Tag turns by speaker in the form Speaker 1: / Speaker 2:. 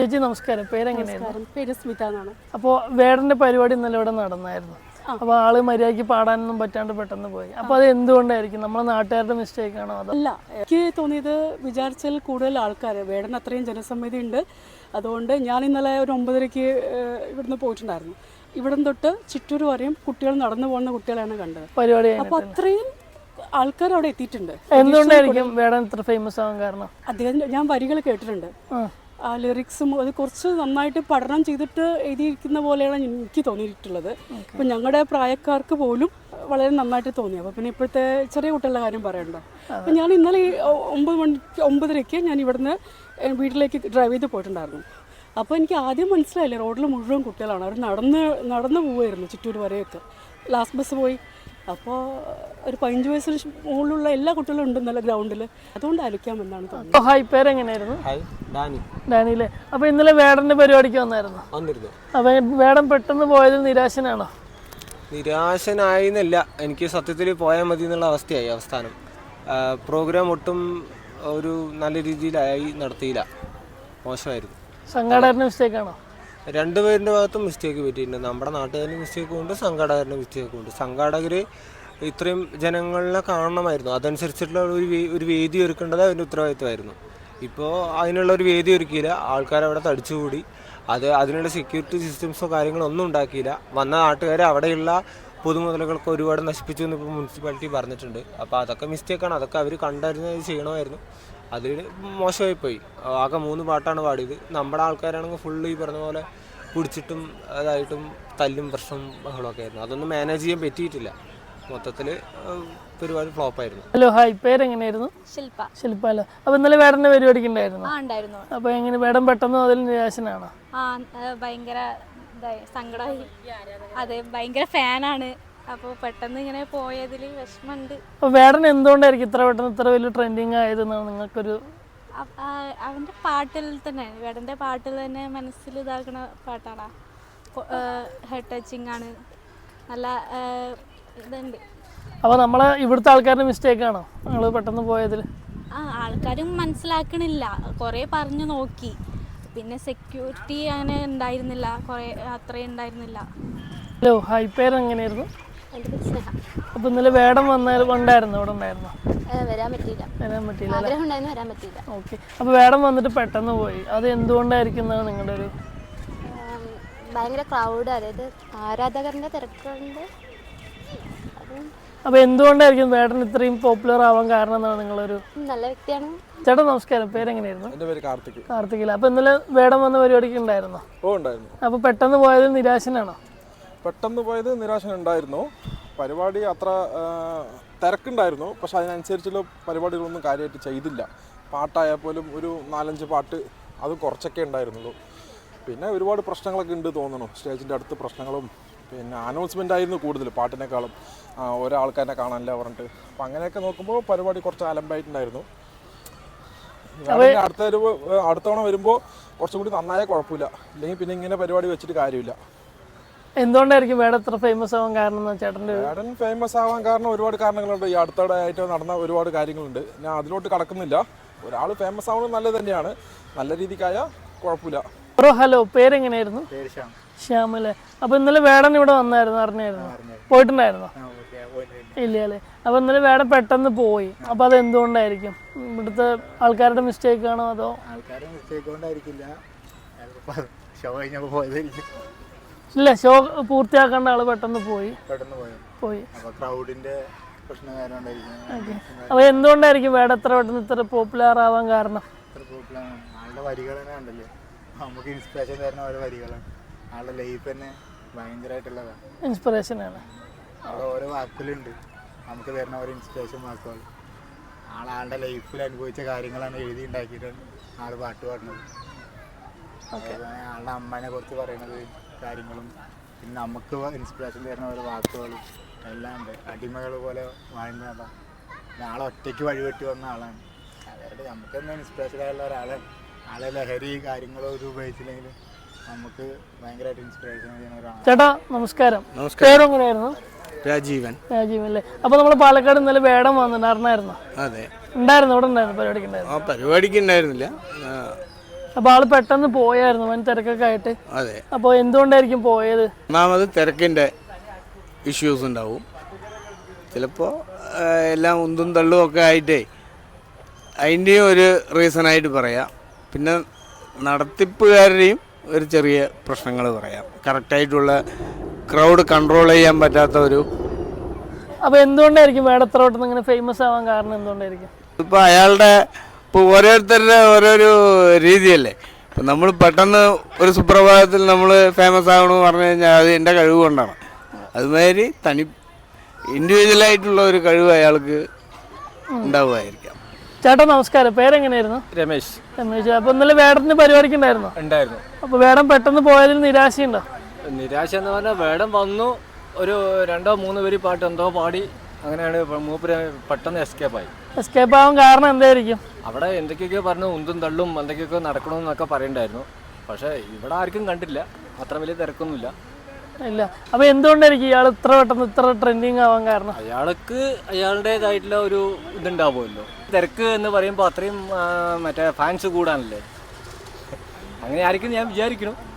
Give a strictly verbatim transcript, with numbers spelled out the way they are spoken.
Speaker 1: ചേച്ചി നമസ്കാരം. പേരെങ്ങനെയായിരുന്നു?
Speaker 2: പേര് സ്മിത എന്നാണ്.
Speaker 1: അപ്പോൾ വേടന്റെ പരിപാടി ഇന്നലെ ഇവിടെ നടന്നായിരുന്നു. അപ്പോൾ ആള് മര്യാദയ്ക്ക് പാടാനൊന്നും പറ്റാണ്ട് പെട്ടെന്ന് പോയി. അപ്പോൾ അത് എന്തുകൊണ്ടായിരിക്കും? നമ്മളെ നാട്ടുകാരുടെ മിസ്റ്റേക്ക് ആണോ? അതോ
Speaker 2: അല്ല, എനിക്ക് തോന്നിയത് വിചാരിച്ചാൽ കൂടുതൽ ആൾക്കാർ വേടൻ അത്രയും ജനസമ്മതി ഉണ്ട്. അതുകൊണ്ട് ഞാൻ ഇന്നലെ ഒരു ഒമ്പതരയ്ക്ക് ഇവിടുന്ന് പോയിട്ടുണ്ടായിരുന്നു. ഇവിടം തൊട്ട് ചിറ്റൂർ വരെയും കുട്ടികൾ നടന്നു പോകുന്ന കുട്ടികളാണ് കണ്ടത് പരിപാടി. അപ്പോൾ അത്രയും ആൾക്കാർ അവിടെ എത്തിയിട്ടുണ്ട്.
Speaker 1: എന്തുകൊണ്ടായിരിക്കും വേടൻ ഇത്ര ഫേമസ് ആവാൻ കാരണം?
Speaker 2: അദ്ദേഹം ഞാൻ വരികൾ കേട്ടിട്ടുണ്ട്. ആ ലിറിക്സും അത് കുറച്ച് നന്നായിട്ട് പഠനം ചെയ്തിട്ട് എഴുതിയിരിക്കുന്ന പോലെയാണ് എനിക്ക് തോന്നിയിട്ടുള്ളത്. ഇപ്പം ഞങ്ങളുടെ പ്രായക്കാർക്ക് പോലും വളരെ നന്നായിട്ട് തോന്നി. അപ്പോൾ പിന്നെ ഇപ്പോഴത്തെ ചെറിയ കുട്ടികളുടെ കാര്യം പറയണ്ടോ. അപ്പം ഞാൻ ഇന്നലെ ഒമ്പത് മണിക്ക് ഒമ്പതരയ്ക്ക് ഞാൻ ഇവിടുന്ന് വീട്ടിലേക്ക് ഡ്രൈവ് ചെയ്ത് പോയിട്ടുണ്ടായിരുന്നു. അപ്പോൾ എനിക്ക് ആദ്യം മനസ്സിലായില്ല, റോഡിൽ മുഴുവൻ കുട്ടികളാണ്. അവർ നടന്ന് നടന്ന് പോവുമായിരുന്നു ചിറ്റൂർ വരെയൊക്കെ. ലാസ്റ്റ് ബസ് പോയി. അപ്പോൾ ഒരു പതിനഞ്ച് വയസ്സിന് മുകളിലുള്ള എല്ലാ കുട്ടികളും ഉണ്ട് ഇന്നലെ ഗ്രൗണ്ടിൽ. അതുകൊണ്ട് അലിക്കാമെന്നാണ് തോന്നുന്നത്.
Speaker 1: ഹായ്, പേരെങ്ങനെയായിരുന്നു? ഡാനിയിലെ. അപ്പോൾ ഇന്നലെ വേടന്റെ പരിപാടിക്ക് വന്നായിരുന്നു. അപ്പോൾ വേടൻ പെട്ടെന്ന് പോയത് നിരാശനാണോ?
Speaker 3: നിരാശനായിന്നല്ല, എനിക്ക് സത്യത്തിൽ പോയാൽ മതി എന്നുള്ള അവസ്ഥയായി. അവസാനം പ്രോഗ്രാം ഒട്ടും ഒരു നല്ല രീതിയിലായി നടത്തിയില്ല, മോശമായിരുന്നു.
Speaker 1: സംഘാടകരുടെ മിസ്റ്റേക്ക് ആണോ?
Speaker 3: രണ്ടുപേരുടെ ഭാഗത്തും മിസ്റ്റേക്ക് പറ്റിയിട്ടുണ്ട്. നമ്മുടെ നാട്ടുകാരുടെ മിസ്റ്റേക്കും ഉണ്ട്, സംഘാടകരുടെ മിസ്റ്റേക്കും ഉണ്ട്. സംഘാടകർ ഇത്രയും ജനങ്ങളെ കാണണമായിരുന്നു. അതനുസരിച്ചിട്ടുള്ള ഒരു ഒരു വേദി ഒരുക്കേണ്ടത് അതിൻ്റെ ഉത്തരവാദിത്തമായിരുന്നു. ഇപ്പോൾ അതിനുള്ള ഒരു വേദി ഒരുക്കിയില്ല. ആൾക്കാരവിടെ തടിച്ചുകൂടി. അത് അതിനുള്ള സെക്യൂരിറ്റി സിസ്റ്റംസോ കാര്യങ്ങളോ ഒന്നും ഉണ്ടാക്കിയില്ല. വന്ന നാട്ടുകാർ അവിടെയുള്ള പൊതുമുതലുകൾക്ക് ഒരുപാട് നശിപ്പിച്ചു എന്ന് ഇപ്പോൾ മുനിസിപ്പാലിറ്റി പറഞ്ഞിട്ടുണ്ട്. അപ്പോൾ അതൊക്കെ മിസ്റ്റേക്കാണ്. അതൊക്കെ അവർ കണ്ടറിഞ്ഞത് ചെയ്യണമായിരുന്നു. അതിൽ മോശമായിപ്പോയി. ആകെ മൂന്ന് പാട്ടാണ് പാടിയത്. നമ്മുടെ ആൾക്കാരാണെങ്കിൽ ഫുള്ള് ഈ പറഞ്ഞ പോലെ പിടിച്ചിട്ടും അതായിട്ടും തല്ലും പ്രശ്നം ബഹളമൊക്കെ ആയിരുന്നു. അതൊന്നും മാനേജ് ചെയ്യാൻ പറ്റിയിട്ടില്ല. മൊത്തത്തിൽ പരിപാടി ഫ്ലോപ്പായിരുന്നു.
Speaker 1: Hello, hi, പേരെങ്ങനെയായിരുന്നു?
Speaker 4: ശില്പ.
Speaker 1: ശില്പ അല്ലേ. അപ്പോൾ ഇന്നലെ വേടന്റെ പരിപാടിക്ക് ഉണ്ടായിരുന്നു.
Speaker 4: ആ ഉണ്ടായിരുന്നു.
Speaker 1: അപ്പോൾ എങ്ങനെ വേടൻ പെട്ടെന്ന് അതിൽ നിരാശനാണോ?
Speaker 4: ആ ഭയങ്കര സങ്കടമായി. അതെ, ഭയങ്കര ഫാനാണ്. അപ്പോൾ പെട്ടെന്ന് ഇങ്ങനെ പോയതിൽ വിഷമമുണ്ട്.
Speaker 1: അപ്പോൾ വേടൻ എന്തുകൊണ്ടായിരിക്കും ഇത്ര പെട്ടെന്ന് ഇത്ര വലിയ ട്രെൻഡിങ് ആയതെന്നാണ് നിങ്ങൾക്കൊരു?
Speaker 4: അവൻ്റെ പാട്ടിൽ തന്നെ, വേടൻ്റെ പാട്ടിൽ തന്നെ മനസ്സിൽ ഇതാക്കുന്ന പാട്ടാണ്. ഹെഡ് ടച്ചിങ് ആണ്, നല്ല ഇതുണ്ട്.
Speaker 1: അപ്പോൾ നമ്മളെ ഇവിടുത്തെ ആൾക്കാരുടെ മിസ്റ്റേക്ക് ആണോ നിങ്ങൾ പെട്ടെന്ന് പോയതിൽ?
Speaker 4: ആ ആൾക്കാരും മനസ്സിലാക്കണില്ല. കുറേ പറഞ്ഞു നോക്കി, പിന്നെ സെക്യൂരിറ്റി അങ്ങനെ ഉണ്ടായിരുന്നില്ല, കുറേ അത്രയും ഉണ്ടായിരുന്നില്ല.
Speaker 1: ഹലോ, ഹായ്, പേരെങ്ങനെയായിരുന്നു? അപ്പോൾ ഇന്നലെ വേടൻ വന്നാൽ ഉണ്ടായിരുന്നു ഇവിടെ ഉണ്ടായിരുന്നു?
Speaker 4: വരാൻ പറ്റിയില്ല.
Speaker 1: വരാൻ പറ്റിയില്ല
Speaker 4: വരാൻ പറ്റിയില്ല.
Speaker 1: ഓക്കെ. അപ്പോൾ വേടൻ വന്നിട്ട് പെട്ടെന്ന് പോയി. അത് എന്തുകൊണ്ടായിരിക്കും നിങ്ങളുടെ ഒരു?
Speaker 4: ഭയങ്കര ക്രൗഡ്, അതായത് ആരാധകരുടെ തിരക്കുണ്ട്.
Speaker 1: അപ്പോൾ എന്തുകൊണ്ടായിരിക്കും വേടൻ ഇത്രയും പോപ്പുലർ ആവാൻ കാരണം എന്നാണ് നിങ്ങളൊരു?
Speaker 4: നല്ല വ്യക്തിയാണ്.
Speaker 1: ചേട്ടാ നമസ്കാരം, പേരെങ്ങനെയായിരുന്നു?
Speaker 5: എൻ്റെ പേര് കാർത്തിക്.
Speaker 1: കാർത്തികില്ല. അപ്പോൾ ഇന്നലെ വേടൻ വന്ന പരിപാടിക്ക് ഉണ്ടായിരുന്നോ?
Speaker 5: ഓ ഉണ്ടായിരുന്നു.
Speaker 1: അപ്പോൾ പെട്ടെന്ന് പോയത് നിരാശനാണോ?
Speaker 5: പെട്ടെന്ന് പോയത് നിരാശനുണ്ടായിരുന്നു. പരിപാടി അത്ര തിരക്കുണ്ടായിരുന്നു, പക്ഷെ അതിനനുസരിച്ചുള്ള പരിപാടികളൊന്നും കാര്യമായിട്ട് ചെയ്തില്ല. പാട്ടായാൽ പോലും ഒരു നാലഞ്ച് പാട്ട് അത് കുറച്ചൊക്കെ ഉണ്ടായിരുന്നുള്ളൂ. പിന്നെ ഒരുപാട് പ്രശ്നങ്ങളൊക്കെ ഉണ്ട് തോന്നുന്നു. സ്റ്റേജിൻ്റെ അടുത്ത് പ്രശ്നങ്ങളും പിന്നെ അനൗൺസ്മെൻ്റ് ആയിരുന്നു കൂടുതൽ പാട്ടിനേക്കാളും. ഓരോ ആൾക്കാരെ കാണാനില്ല പറഞ്ഞിട്ട്. അപ്പം അങ്ങനെയൊക്കെ നോക്കുമ്പോൾ പരിപാടി കുറച്ച് അലമ്പായിട്ടുണ്ടായിരുന്നു. അടുത്ത ഒരു അടുത്ത തവണ വരുമ്പോൾ കുറച്ചും കൂടി നന്നായാൽ കുഴപ്പമില്ല. ഇല്ലെങ്കിൽ പിന്നെ ഇങ്ങനെ പരിപാടി വെച്ചിട്ട് കാര്യമില്ല.
Speaker 1: എന്തുകൊണ്ടായിരിക്കും വേടൻ ഇത്ര ഫേമസ് ആവാൻ കാരണം? ചേട്ടൻ്റെ
Speaker 5: വേടൻ ഫേമസ് ആവാൻ കാരണം ഒരുപാട് കാരണങ്ങളുണ്ട്. ഈ അടുത്തിടെ ആയിട്ട് നടന്ന ഒരുപാട് കാര്യങ്ങളുണ്ട്. ഞാൻ അതിലോട്ട് കടക്കുന്നില്ല. ഒരാൾ ഫേമസ് ആവുന്നത് നല്ലത് തന്നെയാണ്. നല്ല രീതിക്കായാൽ കുഴപ്പമില്ല.
Speaker 1: ബ്രോ, ഹലോ, പേരെങ്ങനെയായിരുന്നു? ശ്യാമല്ലേ. അപ്പോൾ ഇന്നലെ വേടൻ ഇവിടെ വന്നായിരുന്നു, അറിഞ്ഞായിരുന്നു? പോയിട്ടുണ്ടായിരുന്നോ? ഇല്ല അല്ലേ. അപ്പോൾ ഇന്നലെ വേടൻ പെട്ടെന്ന് പോയി. അപ്പോൾ അത് എന്തുകൊണ്ടായിരിക്കും? ഇവിടുത്തെ ആൾക്കാരുടെ മിസ്റ്റേക്ക് ആണോ അതോ?
Speaker 6: ആൾക്കാരുടെ മിസ്റ്റേക്ക് കൊണ്ടായിരിക്കില്ല, ഷോ കഴിഞ്ഞപ്പോൾ പോയതായിരിക്കും.
Speaker 1: ഇല്ല, ഷോ പൂർത്തിയാക്കേണ്ട ആള് പെട്ടെന്ന് പോയി
Speaker 6: പെട്ടെന്ന് പോയി
Speaker 1: പോയി
Speaker 6: അപ്പോൾ ക്രൗഡിന്റെ പ്രശ്നം കാരണം ഉണ്ടായിരിക്കും.
Speaker 1: അപ്പോൾ എന്തുകൊണ്ടായിരിക്കും വേടൻ ഇത്ര പെട്ടെന്ന് ഇത്ര പോപ്പുലർ ആവാൻ കാരണം?
Speaker 6: ഇത്ര പോപ്പുലർ ആളുടെ വരികൾ തന്നെ ഉണ്ടല്ലേ, നമുക്ക് ഇൻസ്പിറേഷൻ തരുന്ന ഓരോ വരികളാണ്. ആളുടെ ലൈഫ് തന്നെ ഭയങ്കരമായിട്ടുള്ളതാണ്,
Speaker 1: ഇൻസ്പിറേഷനാണ്.
Speaker 6: അവിടെ ഓരോ വാക്കുകളുണ്ട് നമുക്ക് തരുന്ന ഓരോ ഇൻസ്പിറേഷൻ വാക്കുകൾ. ആളാളുടെ ലൈഫിൽ അനുഭവിച്ച കാര്യങ്ങളാണ് എഴുതി ഉണ്ടാക്കിയിട്ടാണ് ആൾ പാട്ട് പാടുന്നത്. ആളുടെ അമ്മേനെ കുറിച്ച് പറയുന്നത് കാര്യങ്ങളും പിന്നെ നമുക്ക് ഇൻസ്പിറേഷൻ തരുന്ന ഓരോ വാക്കുകളും എല്ലാം ഉണ്ട്. അടിമകൾ പോലെ വാഴുന്നതാണ്. ആളെ ഒറ്റയ്ക്ക് വഴിവെട്ടി വന്ന ആളാണ്. അതായത് നമുക്ക് തന്നെ ഇൻസ്പിറേഷൻ ആയുള്ള ഒരാളാണ്. ആളെ ലഹരി കാര്യങ്ങളോ ഇത് ഉപയോഗിച്ചില്ലെങ്കിൽ നമുക്ക് ഭയങ്കരമായിട്ട് ഇൻസ്പിറേഷൻ ചെയ്യുന്ന ഒരാളാണ്.
Speaker 1: ചേട്ടാ നമസ്കാരം. പേരെങ്ങനെയായിരുന്നു?
Speaker 3: രാജീവൻ.
Speaker 1: രാജീവൻ അല്ലേ. അപ്പോൾ നമ്മൾ പാലക്കാട് ഇന്നലെ വേടൻ വന്നിട്ടുണ്ടായിരുന്നോ?
Speaker 3: അതെ,
Speaker 1: ഉണ്ടായിരുന്നു. ഇവിടെ ഉണ്ടായിരുന്നു പരിപാടിക്ക് ഉണ്ടായിരുന്നു?
Speaker 3: ആ പരിപാടിക്ക് ഉണ്ടായിരുന്നില്ല,
Speaker 1: അപ്പോൾ ആള് പെട്ടെന്ന് പോയായിരുന്നു വൻ തിരക്കൊക്കെ ആയിട്ട്.
Speaker 7: അതെ.
Speaker 1: അപ്പോൾ എന്തുകൊണ്ടായിരിക്കും പോയത്?
Speaker 7: ഒന്നാമത് തിരക്കിൻ്റെ ഇഷ്യൂസ് ഉണ്ടാവും, ചിലപ്പോൾ എല്ലാം ഉന്തും തള്ളും ഒക്കെ ആയിട്ടേ അതിൻ്റെയും ഒരു റീസണായിട്ട് പറയാം. പിന്നെ നടത്തിപ്പുകാരുടെയും ഒരു ചെറിയ പ്രശ്നങ്ങൾ പറയാം, കറക്റ്റായിട്ടുള്ള ക്രൗഡ് കൺട്രോൾ ചെയ്യാൻ പറ്റാത്ത ഒരു.
Speaker 1: അപ്പോൾ എന്തുകൊണ്ടായിരിക്കും വേടത്തറോട്ടം ഇങ്ങനെ ഫേമസ് ആവാൻ കാരണം എന്തുകൊണ്ടായിരിക്കും?
Speaker 7: ഇപ്പോൾ അയാളുടെ ഇപ്പോൾ ഓരോരുത്തരുടെ ഓരോരോ രീതിയല്ലേ. ഇപ്പം നമ്മൾ പെട്ടെന്ന് ഒരു സുപ്രഭാതത്തിൽ നമ്മൾ ഫേമസ് ആകണമെന്ന് പറഞ്ഞു കഴിഞ്ഞാൽ അത് എൻ്റെ കഴിവ് കൊണ്ടാണ്. അതുമാതിരി തനി ഇൻഡിവിജ്വലായിട്ടുള്ള ഒരു കഴിവ് അയാൾക്ക് ഉണ്ടാവുമായിരിക്കാം.
Speaker 1: ചേട്ടാ നമസ്കാരം, പേരെങ്ങനെയായിരുന്നു?
Speaker 8: രമേശ്.
Speaker 1: രമേശ്. അപ്പോൾ ഇന്നലെ വേടത്തിന് പരിപാടിക്ക് ഉണ്ടായിരുന്നോ?
Speaker 8: ഉണ്ടായിരുന്നു.
Speaker 1: അപ്പോൾ വേടം പെട്ടെന്ന് പോയതിൽ നിരാശയുണ്ടോ?
Speaker 8: നിരാശ എന്ന് പറഞ്ഞാൽ വേടം വന്നു, ഒരു രണ്ടോ മൂന്നോ പേര് പാട്ട് എന്തോ പാടി, അങ്ങനെയാണ് മൂപ്പര് പെട്ടെന്ന് എസ്കേപ്പായി.
Speaker 1: എസ്കേപ്പ് ആവാൻ കാരണം എന്തായിരിക്കും?
Speaker 8: അവിടെ എന്തൊക്കെയൊക്കെ പറഞ്ഞു, ഉന്തും തള്ളും എന്തൊക്കെയൊക്കെ നടക്കണമെന്നൊക്കെ പറയണ്ടായിരുന്നു. പക്ഷേ ഇവിടെ ആർക്കും കണ്ടില്ല, അത്ര വലിയ തിരക്കൊന്നുമില്ല.
Speaker 1: ഇല്ല. അപ്പോൾ എന്തുകൊണ്ടായിരിക്കും ഇയാൾ ഇത്ര പെട്ടെന്ന് ഇത്ര ട്രെൻഡിങ് ആവാൻ കാരണം?
Speaker 8: അയാൾക്ക് അയാളുടേതായിട്ടുള്ള ഒരു ഇതുണ്ടാവുമല്ലോ. തിരക്ക് എന്ന് പറയുമ്പോൾ അത്രയും മറ്റേ ഫാൻസ് കൂടാനല്ലേ, അങ്ങനെ ആയിരിക്കും ഞാൻ വിചാരിക്കുന്നു.